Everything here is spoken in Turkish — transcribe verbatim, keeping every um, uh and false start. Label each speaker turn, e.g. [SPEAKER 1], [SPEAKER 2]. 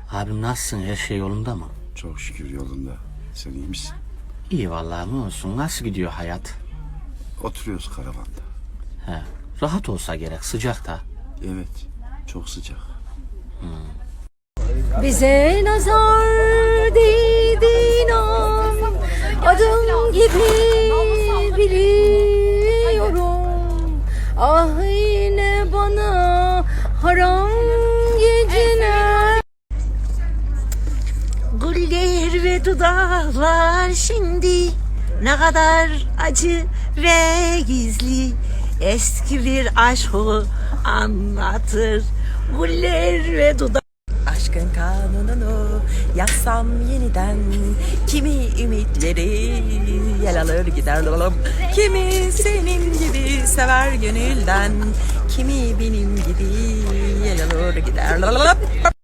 [SPEAKER 1] Abim nasılsın? Her şey yolunda mı?
[SPEAKER 2] Çok şükür yolunda. Sen iyi misin?
[SPEAKER 1] İyi vallahi, ne olsun. Nasıl gidiyor hayat?
[SPEAKER 2] Oturuyoruz karavanda.
[SPEAKER 1] He. Rahat olsa gerek, sıcak da.
[SPEAKER 2] Evet, çok sıcak.
[SPEAKER 3] Bize nazar değdi inan, adım gibi biliyorum. Ah yine bana haram geceler.
[SPEAKER 4] Güller ve dudaklar şimdi ne kadar acı ve gizli, eski bir aşkı anlatır. Güller ve dudak. Aşkın kanununu yazsam yeniden, kimi ümitleri yel alır gider dolalım. Kimi senin gibi sever gönülden, kimi benim gibi yel alır gider dolalım.